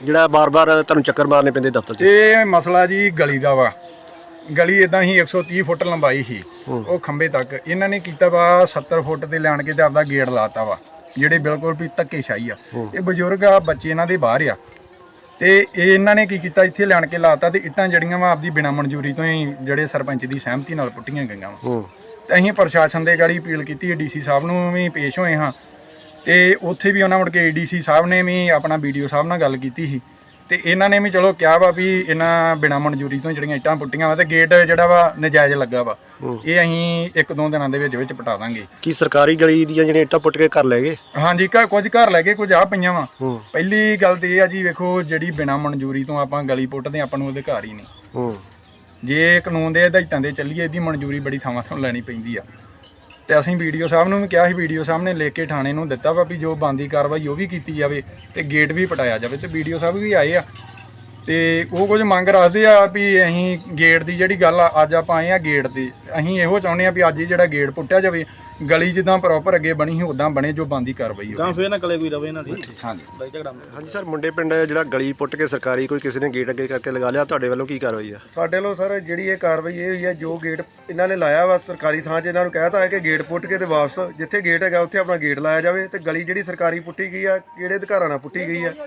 ਜਿਹੜਾ ਬਾਰ-ਬਾਰ ਤੁਹਾਨੂੰ ਚੱਕਰ ਮਾਰਨੇ ਪੈਂਦੇ ਦਫ਼ਤਰ 'ਚ? ਇਹ ਮਸਲਾ ਜੀ ਗਲੀ ਦਾ ਵਾ। ਗਲੀ ਇਦਾਂ ਹੀ 130 ਫੁੱਟ ਲੰਬਾਈ ਸੀ ਉਹ ਖੰਭੇ ਤੱਕ। ਇਹਨਾਂ ਨੇ ਕੀਤਾ ਵਾ 70 ਫੁੱਟ ਤੇ ਲਿਆਣ ਕੇ ਤੇ ਆਪਦਾ ਗੇਟ ਲਾਤਾ ਵਾ, ਜਿਹੜੇ ਬਿਲਕੁਲ ਵੀ ਧੱਕੇਸ਼ਾਹੀ ਆ। ਇਹ ਬਜ਼ੁਰਗ ਆ, ਬੱਚੇ ਇਹਨਾਂ ਦੇ ਬਾਹਰ ਆ, ਤੇ ਇਹ ਇਹਨਾਂ ਨੇ ਕੀ ਕੀਤਾ, ਇੱਥੇ ਲਿਆਣ ਕੇ ਲਾਤਾ ਤੇ ਇੱਟਾਂ ਜੜੀਆਂ ਵਾ ਆਪਦੀ ਬਿਨਾਂ ਮਨਜ਼ੂਰੀ ਤੋਂ ਹੀ ਜਿਹੜੇ ਸਰਪੰਚ ਦੀ ਸਹਿਮਤੀ ਨਾਲ ਪੁੱਟੀਆਂ ਗਈਆਂ ਵਾ। ਤੇ ਅਸੀਂ ਪ੍ਰਸ਼ਾਸਨ ਦੇ ਗਾੜੀ ਅਪੀਲ ਕੀਤੀ, ਡੀਸੀ ਸਾਹਿਬ ਨੂੰ ਵੀ ਪੇਸ਼ ਹੋਏ ਹਾਂ, ਤੇ ਉੱਥੇ ਵੀ ਉਹਨਾਂ ਮੁੜ ਕੇ ਡੀਸੀ ਸਾਹਿਬ ਨੇ ਵੀ ਆਪਣਾ ਵੀਡੀਓ ਸਾਹਿਬ ਨਾਲ ਗੱਲ ਕੀਤੀ ਸੀ, ਤੇ ਇਹਨਾਂ ਨੇ ਵੀ ਚਲੋ ਕਿਹਾ ਵਾ ਵੀ ਇਹਨਾਂ ਬਿਨਾਂ ਮਨਜ਼ੂਰੀ ਤੋਂ ਜਿਹੜੀਆਂ ਇੱਟਾਂ ਪੁੱਟੀਆਂ ਵਾ ਤੇ ਗੇਟ ਜਿਹੜਾ ਵਾ ਨਜਾਇਜ਼ ਲੱਗਾ ਵਾ, ਇਹ ਅਸੀਂ 1-2 ਦਿਨਾਂ ਦੇ ਵਿੱਚ ਪਟਾ ਦਾਂਗੇ। ਕੀ ਸਰਕਾਰੀ ਗਲੀ ਦੀਆਂ ਜਿਹੜੀਆਂ ਇੱਟਾਂ ਪੁੱਟ ਕੇ ਘਰ ਲੈ ਗਏ? ਹਾਂਜੀ, ਕੁਝ ਘਰ ਲੈ ਕੇ ਕੁਝ ਆ ਪਈਆਂ ਵਾ। ਪਹਿਲੀ ਗੱਲ ਤੇ ਇਹ ਆ ਜੀ, ਵੇਖੋ ਜਿਹੜੀ ਬਿਨਾਂ ਮਨਜ਼ੂਰੀ ਤੋਂ ਆਪਾਂ ਗਲੀ ਪੁੱਟਦੇ ਆਪਾਂ ਨੂੰ ਅਧਿਕਾਰ ਹੀ ਨਹੀਂ। ਜੇ ਕਾਨੂੰਨ ਦੇ ਹਦਾਇਤਾਂ ਦੇ ਚੱਲੀਏ, ਇਹਦੀ ਮਨਜ਼ੂਰੀ ਬੜੀ ਥਾਵਾਂ ਤੋਂ ਲੈਣੀ ਪੈਂਦੀ ਆ। ਤੇ ਅਸੀਂ ਵੀਡੀਓ ਸਾਹਿਬ ਨੂੰ ਵੀ ਕਿਹਾ ਸੀ, ਵੀਡੀਓ ਸਾਹਿਬ ਨੇ ਲਿਖ ਕੇ ਥਾਣੇ ਨੂੰ ਦਿੱਤਾ ਵਾ ਵੀ ਜੋ ਬਣਦੀ ਕਾਰਵਾਈ ਉਹ ਵੀ ਕੀਤੀ ਜਾਵੇ ਤੇ ਗੇਟ ਵੀ ਪਟਾਇਆ ਜਾਵੇ। ਤੇ ਵੀਡੀਓ ਸਾਹਿਬ ਵੀ ਆਏ ਆ ਤੇ ਉਹ ਕੁਝ ਮੰਗ ਰੱਖਦੇ ਆ ਵੀ ਅਸੀਂ ਗੇਟ ਦੀ ਜਿਹੜੀ ਗੱਲ ਆ, ਅੱਜ ਆਪਾਂ ਆਏ ਆ ਗੇਟ ਤੇ, ਅਸੀਂ ਇਹੋ ਚਾਹੁੰਦੇ ਆ ਵੀ ਅੱਜ ਹੀ ਜਿਹੜਾ ਗੇਟ ਪੁੱਟਿਆ ਜਾਵੇ, ਗਲੀ ਜਿੱਦਾਂ ਪ੍ਰੋਪਰ ਅੱਗੇ ਬਣੀ ਸੀ ਉਦਾਂ ਬਣੇ, ਜੋ ਬਣਦੀ ਕਾਰਵਾਈ ਹੋਵੇ। ਫੇਰ ਨਾ ਕਲੇ ਕੋਈ ਰਵੇ ਇਹਨਾਂ ਦੀ। ਹਾਂਜੀ ਹਾਂਜੀ ਸਰ, ਮੁੰਡੇ ਪਿੰਡ ਜਿਹੜਾ ਗਲੀ ਪੁੱਟ ਕੇ ਸਰਕਾਰੀ ਕੋਈ ਕਿਸੇ ਨੇ ਗੇਟ ਅੱਗੇ ਕਰਕੇ ਲਗਾ ਲਿਆ, ਤੁਹਾਡੇ ਵੱਲੋਂ ਕੀ ਕਾਰਵਾਈ ਆ? ਸਾਡੇ ਵੱਲੋਂ ਸਰ ਜਿਹੜੀ ਇਹ ਕਾਰਵਾਈ ਇਹ ਹੋਈ ਹੈ, ਜੋ ਗੇਟ ਇਹਨਾਂ ਨੇ ਲਾਇਆ ਵਾ ਸਰਕਾਰੀ ਥਾਂ 'ਚ, ਇਹਨਾਂ ਨੂੰ ਕਹਿਤਾ ਹੈ ਕਿ ਗੇਟ ਪੁੱਟ ਕੇ ਤੇ ਵਾਪਸ ਜਿੱਥੇ ਗੇਟ ਹੈਗਾ ਉੱਥੇ ਆਪਣਾ ਗੇਟ ਲਾਇਆ ਜਾਵੇ, ਤੇ ਗਲੀ ਜਿਹੜੀ ਸਰਕਾਰੀ ਪੁੱਟੀ ਗਈ ਆ, ਕਿਹੜੇ ਅਧਿਕਾਰਾਂ ਨਾਲ ਪੁੱਟੀ ਗਈ ਆ,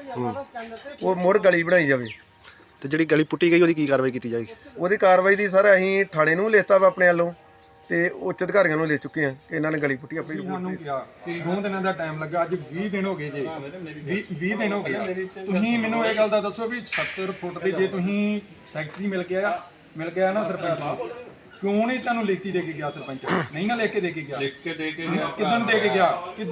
ਉਹ ਮੁੜ ਗਲੀ ਬਣਾਈ ਜਾਵੇ। ਤੇ ਜਿਹੜੀ ਗਲੀ ਪੁੱਟੀ ਗਈ ਉਹਦੀ ਕੀ ਕਾਰਵਾਈ ਕੀਤੀ ਜਾਏਗੀ? ਉਹਦੀ ਕਾਰਵਾਈ ਦੀ ਸਰ ਅਸੀਂ ਥਾਣੇ ਨੂੰ ਲਿਖਤਾ ਵਾ ਆਪਣੇ ਵੱਲੋਂ, ਤੇ ਉੱਚ ਅਧਿਕਾਰੀਆਂ ਨੂੰ ਲੈ ਚੁੱਕੇ ਆ ਕਿ ਇਹਨਾਂ ਨੇ ਗਲੀ ਪੁੱਟੀ ਆਪਣੀ ਰਿਪੋਰਟ ਸਾਨੂੰ ਕਿਹਾ ਕਿ 2 ਦਿਨਾਂ ਦਾ ਟਾਈਮ ਲੱਗਾ, ਅੱਜ 20 ਦਿਨ ਹੋ ਗਏ ਜੇ, 20 ਦਿਨ ਹੋ ਗਏ। ਤੁਸੀਂ ਮੈਨੂੰ ਇਹ ਗੱਲ ਦਾ ਦੱਸੋ ਵੀ 70 ਫੁੱਟ ਦੇ ਜੇ ਤੁਸੀਂ ਸੈਕਟਰੀ ਮਿਲ ਗਿਆ ਨਾ ਸਰਪੰਚ ਨੂੰ, ਕਿਉਂ ਨਹੀਂ ਤੁਹਾਨੂੰ ਲਿਖਤੀ ਦੇ ਕੇ ਗਿਆ ਸਰਪੰਚ? ਨਹੀਂ ਨਾ ਲਿਖ ਕੇ ਦੇ ਕੇ ਗਿਆ? ਕਿੱਦਣ ਦੇ ਕੇ ਗਿਆ?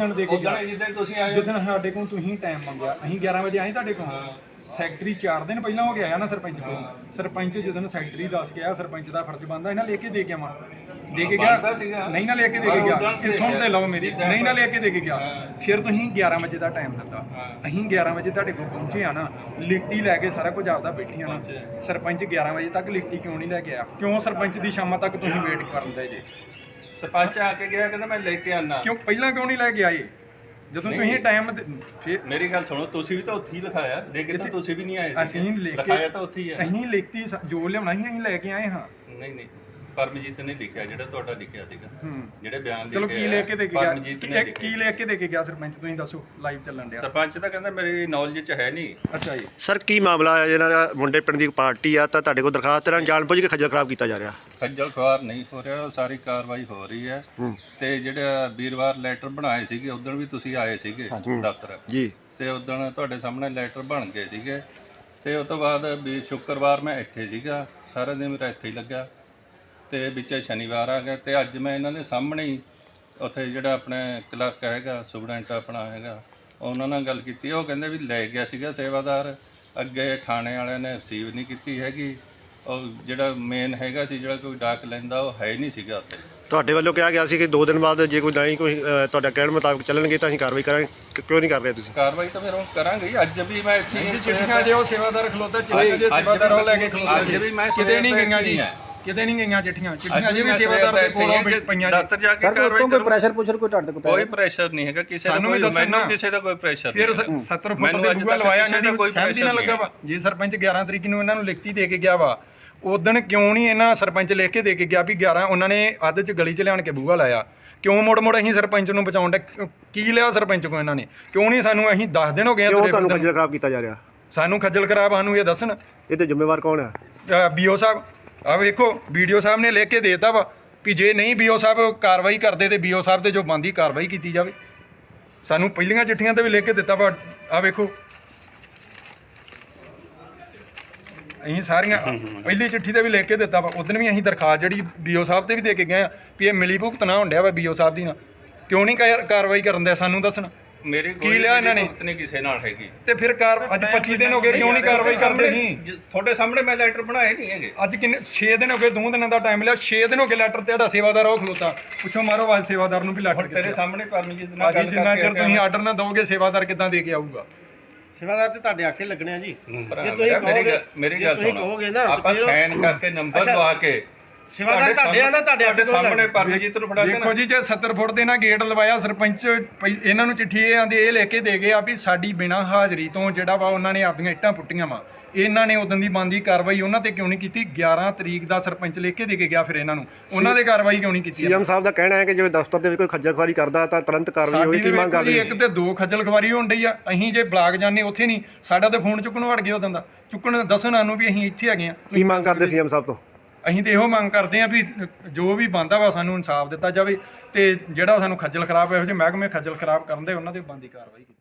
ਜਿੱਦਣ ਤੁਸੀਂ ਆਏ, ਜਿੱਦਣ ਸਾਡੇ ਕੋਲ ਤੁਸੀਂ ਟਾਈਮ ਮੰਗਿਆ, ਅਸੀਂ 11 ਵਜੇ ਆਏ ਤੁਹਾਡੇ ਕੋਲ। ਸੈਕਟਰੀ 4 ਦਿਨ ਪਹਿਲਾਂ ਹੋ ਗਿਆ ਨਾ ਸਰਪੰਚ ਕੋਲ। ਸਰਪੰਚ ਜਦੋਂ ਸੈਕਟਰੀ ਦੱਸ ਗਿਆ, ਸਰਪੰਚ ਦਾ ਫਰਜ਼ ਬਣਦਾ ਇਹਨਾਂ ਲੈ ਕੇ ਦੇ ਕੇ ਆਵਾਂ। ਦੇ ਕੇ ਗਿਆ? ਨਹੀਂ ਨਾ ਲੈ ਕੇ ਦੇ ਕੇ ਗਿਆ। ਇਹ ਸੁਣ ਤੇ ਲਓ ਮੇਰੀ, ਨਹੀਂ ਨਾ ਲੈ ਕੇ ਦੇ ਕੇ ਗਿਆ। ਫਿਰ ਤੁਸੀਂ 11 ਵਜੇ ਦਾ ਟਾਈਮ ਦਿੱਤਾ, ਅਸੀਂ 11 ਵਜੇ ਤੁਹਾਡੇ ਕੋਲ ਪਹੁੰਚੇ ਆ ਨਾ, ਲਿਖਤੀ ਲੈ ਕੇ ਸਾਰਾ ਕੁਝ ਆਪਦਾ ਬੈਠੀਆਂ ਨਾ। ਸਰਪੰਚ 11 ਵਜੇ ਤੱਕ ਲਿਖਤੀ ਕਿਉਂ ਨਹੀਂ ਲੈ ਕੇ ਆਇਆ? ਕਿਉਂ ਸਰਪੰਚ ਦੀ ਸ਼ਾਮਾਂ ਤੱਕ ਤੁਸੀਂ ਵੇਟ ਕਰਦੇ ਜੇ? ਸਰਪੰਚ ਆ ਕੇ ਗਿਆ, ਕਹਿੰਦਾ ਮੈਂ ਲੈ ਕੇ ਆਣਾ। ਕਿਉਂ ਪਹਿਲਾਂ ਕਿਉਂ ਨਹੀਂ ਲੈ ਕੇ ਆਏ ਜਦੋਂ ਤੁਸੀਂ ਟਾਈਮ? ਮੇਰੀ ਗੱਲ ਸੁਣੋ, ਤੁਸੀਂ ਵੀ ਤਾਂ ਉੱਥੇ ਹੀ ਲਿਖਾਇਆ, ਲੇਕਿਨ ਤਾਂ ਤੁਸੀਂ ਵੀ ਨਹੀਂ ਆਏ। ਅਸੀਂ ਲਿਖਾਇਆ ਤਾਂ ਉੱਥੇ ਹੀ ਹੈ। ਅਸੀਂ ਲਿਖਤੀ ਜੋ ਲਿਆਉਣਾ ਸੀ ਅਸੀਂ ਲੈ ਕੇ ਆਏ ਹਾਂ। ਨਹੀਂ ਪਰਮਜੀਤ ਨੇ ਲਿਖਿਆ, ਜਿਹੜਾ ਤੁਹਾਡਾ ਲਿਖਿਆ ਸੀਗਾ, ਜਿਹੜੇ ਬਿਆਨ ਲਿਖੇ। ਚਲੋ ਕੀ ਲੈ ਕੇ ਦੇ ਕੇ ਗਿਆ? ਕੀ ਲੈ ਕੇ ਦੇ ਕੇ ਗਿਆ ਸਰਪੰਚ? ਤੁਸੀਂ ਦੱਸੋ, ਲਾਈਵ ਚੱਲਣ ਡਿਆ। ਸਰਪੰਚ ਤਾਂ ਕਹਿੰਦਾ ਮੇਰੀ ਨੌਲੇਜ 'ਚ ਹੈ ਨਹੀਂ। ਅੱਛਾ ਜੀ ਸਰ, ਕੀ ਮਾਮਲਾ ਹੈ ਜਿਹੜਾ ਮੁੰਡੇ ਪਿੰਡ ਦੀ ਪਾਰਟੀ ਆ ਤਾਂ ਤੁਹਾਡੇ ਕੋਲ ਦਰਖਾਸਤ ਨਾਲ ਜਾਣਬੁੱਝ ਕੇ ਖੱਜਲ ਖਰਾਬ ਕੀਤਾ ਜਾ ਰਿਹਾ? ਖੱਜਲ ਖੁਆਰ ਨਹੀਂ ਹੋ ਰਿਹਾ, ਸਾਰੀ ਕਾਰਵਾਈ ਹੋ ਰਹੀ ਹੈ। ਤੇ ਜਿਹੜਾ ਵੀਰਵਾਰ ਲੈਟਰ ਬਣਾਏ ਸੀਗੇ, ਉਦੋਂ ਵੀ ਤੁਸੀਂ ਆਏ ਸੀਗੇ ਦਫ਼ਤਰ ਜੀ, ਤੇ ਉਦੋਂ ਤੁਹਾਡੇ ਸਾਹਮਣੇ ਲੈਟਰ ਬਣ ਗਏ ਸੀਗੇ। ਤੇ ਉਸ ਤੋਂ ਬਾਅਦ ਵੀ ਸ਼ੁੱਕਰਵਾਰ ਮੈਂ ਇੱਥੇ ਸੀਗਾ, ਸਾਰਾ ਦਿਨ ਮੇਰਾ ਇੱਥੇ ਹੀ ਲੱਗਾ, ਤੇ ਵਿੱਚ ਸ਼ਨੀਵਾਰ ਆ ਗਿਆ। ਤੇ ਅੱਜ ਮੈਂ ਇਹਨਾਂ ਦੇ ਸਾਹਮਣੇ ਹੀ ਉੱਥੇ ਜਿਹੜਾ ਆਪਣੇ ਕਲਰਕ ਹੈਗਾ, ਸੁਪਰਡੈਂਟ ਆਪਣਾ ਹੈਗਾ, ਉਹਨਾਂ ਨਾਲ ਗੱਲ ਕੀਤੀ। ਉਹ ਕਹਿੰਦੇ ਵੀ ਲੈ ਗਿਆ ਸੀਗਾ ਸੇਵਾਦਾਰ, ਅੱਗੇ ਥਾਣੇ ਵਾਲਿਆਂ ਨੇ ਰਿਸੀਵ ਨਹੀਂ ਕੀਤੀ ਹੈਗੀ। ਉਹ ਜਿਹੜਾ ਮੇਨ ਹੈਗਾ ਸੀ, ਜਿਹੜਾ ਕੋਈ ਡਾਕ ਲੈਂਦਾ, ਉਹ ਹੈ ਹੀ ਨਹੀਂ ਸੀਗਾ ਉੱਥੇ। ਤੁਹਾਡੇ ਵੱਲੋਂ ਕਿਹਾ ਗਿਆ ਸੀ ਕਿ 2 ਦਿਨ ਬਾਅਦ ਜੇ ਕੋਈ ਨਹੀਂ ਕੋਈ ਤੁਹਾਡਾ ਕਹਿਣ ਮੁਤਾਬਕ ਚੱਲਣਗੇ ਤਾਂ ਅਸੀਂ ਕਾਰਵਾਈ ਕਰਾਂਗੇ, ਕਿਉਂ ਨਹੀਂ ਕਰ ਰਹੇ ਤੁਸੀਂ? ਕਾਰਵਾਈ ਤਾਂ ਫਿਰ ਹੁਣ ਕਰਾਂਗੇ। ਅੱਜ ਵੀ ਮੈਂ ਇੱਥੇ ਚਿੱਠੀਆਂ ਜੇ ਉਹ ਸੇਵਾਦਾਰ ਖਲੋਤਾ, ਚਿੱਠੀਆਂ ਜੇ ਸੇਵਾਦਾਰ ਉਹ ਲੈ ਕੇ ਖਲੋਤਾ, ਅੱਜ ਵੀ ਮੈਂ ਕਿਤੇ ਨਹੀਂ ਗਈਆਂ ਜੀ, ਕਿਤੇ ਨਹੀਂ ਗਈਆਂ ਚਿੱਠੀਆਂ ਜੇ ਵੀ ਸੇਵਾਦਾਰ ਦੇ ਕੋਲੋਂ ਪਈਆਂ। ਦਫ਼ਤਰ ਜਾ ਕੇ ਕਾਰਵਾਈ ਕੋਈ ਪ੍ਰੈਸ਼ਰ ਪੁੱਛਰ ਕੋਈ ਤੁਹਾਡੇ ਕੋਲ? ਕੋਈ ਪ੍ਰੈਸ਼ਰ ਨਹੀਂ ਹੈਗਾ ਕਿਸੇ ਦਾ, ਮੈਨੂੰ ਕਿਸੇ ਦਾ ਕੋਈ ਪ੍ਰੈਸ਼ਰ ਨਹੀਂ। ਫਿਰ 70 ਫੁੱਟ ਦੇ ਬੂਹਾ ਲਵਾਇਆ, ਇਹਨਾਂ ਦੀ ਕੋਈ ਸਹਿਮਤੀ ਨਾ ਲੱਗਾ ਵਾ। ਜੇ ਸਰਪੰਚ 11 ਤਰੀਕ ਨੂੰ ਇਹਨਾਂ ਨੂੰ ਲਿਖਤੀ ਦੇ ਕੇ ਗਿਆ ਵਾ, ਉਦੋਂ ਕਿਉਂ ਨਹੀਂ ਇਹਨਾਂ ਸਰਪੰਚ ਲਿਖ ਕੇ ਦੇ ਕੇ ਗਿਆ ਵੀ 11 ਉਹਨਾਂ ਨੇ ਅੱਧ 'ਚ ਗਲੀ 'ਚ ਲਿਆਣ ਕੇ ਬੂਹਾ ਲਾਇਆ? ਕਿਉਂ ਮੁੜ ਅਸੀਂ ਸਰਪੰਚ ਨੂੰ ਬਚਾਉਣ ਦਾ ਕੀ ਲਿਆ ਸਰਪੰਚ ਕੋ ਇਹਨਾਂ ਨੇ? ਕਿਉਂ ਨਹੀਂ ਸਾਨੂੰ? ਅਸੀਂ 10 ਦਿਨ ਹੋ ਗਏ ਤੁਹਾਨੂੰ ਖੱਜਲ ਖਰਾਬ ਕੀਤਾ ਜਾ ਰਿਹਾ? ਸਾਨੂੰ ਖੱਜਲ ਖਰਾਬ ਸਾਨੂੰ ਇਹ ਦੱਸਣ। ਇਹਦੇ ਜ਼ਿੰਮੇਵਾਰ ਕੌਣ ਹੈ? BO ਸਾਹਿਬ। ਆ ਵੇਖੋ, ਵੀਡੀਓ ਸਾਹਿਬ ਨੇ ਲਿਖ ਕੇ ਦੇ ਦਿੱਤਾ ਵਾ ਵੀ ਜੇ ਨਹੀਂ BO ਸਾਹਿਬ ਕਾਰਵਾਈ ਕਰਦੇ ਤੇ BO ਸਾਹਿਬ ਤੇ ਜੋ ਬਣਦੀ ਕਾਰਵਾਈ ਕੀਤੀ ਜਾਵੇ। ਸਾਨੂੰ ਪਹਿਲੀਆਂ ਚਿੱਠੀਆਂ ਤੇ ਵੀ ਲਿਖ ਕੇ ਦਿੱਤਾ ਵਾ, ਆ ਵੇਖੋ। ਅਸੀਂ ਸਾਰੀਆਂ ਪਹਿਲੀ ਚਿੱਠੀ ਤੇ ਵੀ ਲਿਖ ਕੇ ਦਿੱਤਾ ਵਾ, ਉਦੋਂ ਵੀ ਅਸੀਂ ਦਰਖਾਸਤ ਜਿਹੜੀ BO ਸਾਹਿਬ ਤੇ ਵੀ ਦੇ ਕੇ ਗਏ ਆ ਵੀ ਇਹ ਮਿਲੀ ਭੁਗਤ ਨਾ ਹੁੰਦਿਆ ਵਾ BO ਸਾਹਿਬ ਦੀ ਨਾਲ। ਕਿਉਂ ਨਹੀਂ ਕਾਰਵਾਈ ਕਰਨ ਦਿਆ? ਸਾਨੂੰ ਦੱਸਣ ਮੇਰੀ ਕੀ ਲਿਆ ਇਹਨਾਂ ਨੇ? ਨਹੀਂ ਕਿਸੇ ਨਾਲ ਹੈਗੀ। ਤੇ ਫਿਰ ਅੱਜ 25 ਦਿਨ ਹੋ ਗਏ, ਕਿਉਂ ਨਹੀਂ ਕਾਰਵਾਈ ਕਰਦੇ? ਸੀ ਤੁਹਾਡੇ ਸਾਹਮਣੇ ਮੈਂ ਲੈਟਰ ਬਣਾਏ ਨਹੀਂ ਹੈਗੇ। ਅੱਜ ਕਿੰਨੇ 6 ਦਿਨ ਹੋ ਗਏ, 2 ਦਿਨਾਂ ਦਾ ਟਾਈਮ ਲਿਆ, 6 ਦਿਨ ਹੋ ਗਏ ਲੈਟਰ ਤੇ। ਤੁਹਾਡਾ ਸੇਵਾਦਾਰ ਉਹ ਖਲੋਤਾ, ਪੁੱਛੋ ਮਾਰੋ ਆਵਾਜ਼ ਸੇਵਾਦਾਰ ਨੂੰ ਵੀ ਲੈਟਰ ਤੇਰੇ ਸਾਹਮਣੇ ਪਰਮਜੀਤ ਨਾਲ ਗੱਲ ਜਿੰਨਾ ਚਿਰ ਤੁਸੀਂ ਆਰਡਰ ਨਾ ਦੋਗੇ, ਸੇਵਾਦਾਰ ਕਿੱਦਾਂ ਦੇ ਕੇ ਆਊਗਾ? ਸੇਵਾਦਾਰ ਤੇ ਤੁਹਾਡੇ ਆਖੇ ਲੱਗਣੇ ਆ ਜੀ। ਮੇਰੀ ਗੱਲ ਸੁਣੋ, ਆਪਾਂ ਸਾਈਨ ਕਰਕੇ ਨੰਬਰ ਲਵਾ ਕੇ ਸੇਵਾਦਾਰ ਤੁਹਾਡੇ ਆ ਨਾ ਤੁਹਾਡੇ ਸਾਹਮਣੇ ਪਰਮਜੀਤ ਨੂੰ ਫੜਾ ਦੇਖੋ ਜੀ ਜੇ 70 ਫੁੱਟ ਦੇ ਨਾਲ ਗੇਟ ਲਵਾਇਆ ਸਰਪੰਚ ਇਹਨਾਂ ਨੂੰ ਚਿੱਠੀ ਇਹ ਆਂਦੇ ਇਹ ਲਿਖ ਕੇ ਦੇ ਗਏ ਆ ਵੀ ਸਾਡੀ ਬਿਨਾਂ ਹਾਜ਼ਰੀ ਤੋਂ ਜਿਹੜਾ ਵਾ ਉਹਨਾਂ ਨੇ ਆਪਦੀਆਂ ਇੱਟਾਂ ਪੁੱਟੀਆਂ ਵਾ। ਇਹਨਾਂ ਨੇ ਉਦੋਂ ਦੀ ਬਣਦੀ ਕਾਰਵਾਈ ਉਹਨਾਂ ਤੇ ਕਿਉਂ ਨਹੀਂ ਕੀਤੀ? 11 ਤਰੀਕ ਦਾ ਸਰਪੰਚ ਲਿਖ ਕੇ ਦੇ ਕੇ ਗਿਆ, ਫਿਰ ਇਹਨਾਂ ਨੂੰ ਉਹਨਾਂ ਦੇ ਕਾਰਵਾਈ ਕਿਉਂ ਨਹੀਂ ਕੀਤੀ? ਸੀਐਮ ਸਾਹਿਬ ਦਾ ਕਹਿਣਾ ਹੈ ਕਿ ਜੇ ਦਫ਼ਤਰ ਦੇ ਵਿੱਚ ਕੋਈ ਖੱਜਲ ਖੁਆਰੀ ਕਰਦਾ ਤਾਂ ਤੁਰੰਤ ਕਾਰਵਾਈ ਹੋਈ। ਕੀ ਮੰਗ ਕਰਦੇ? ਇੱਕ ਤੇ 2 ਖੱਜਲ ਖਵਾਰੀ ਹੋਣ ਡਈ ਆ। ਅਸੀਂ ਜੇ ਬਲਾਕ ਜਾਂਦੇ ਉੱਥੇ ਨਹੀਂ, ਸਾਡਾ ਤੇ ਫੋਨ ਚੁੱਕਣੋਂ ਹਟ ਗਿਆ ਉਦੋਂ ਦਾ। ਚੁੱਕਣ ਦੱਸਣ ਸਾਨੂੰ ਵੀ ਅਸੀਂ ਇੱਥੇ ਹੈਗੇ ਆ। ਕੀ ਮੰਗ ਕਰਦੇ ਸੀਐਮ ਸਾਹਿਬ ਤੋਂ? ਅਸੀਂ ਤੇ ਇਹੋ ਮੰਗ ਕਰਦੇ ਆ ਵੀ ਜੋ ਵੀ ਬਣਦਾ ਵਾ ਸਾਨੂੰ ਇਨਸਾਫ ਦਿੱਤਾ ਜਾਵੇ ਤੇ ਜਿਹੜਾ ਸਾਨੂੰ ਖੱਜਲ ਖਰਾਬ ਇਹੋ ਜਿਹੇ ਮਹਿਕਮੇ ਖੱਜਲ ਖਰਾਬ ਕਰਨ ਦੇ ਉਹਨਾਂ ਦੇ ਬਣਦੀ ਕਾਰਵਾਈ ਕੀਤੀ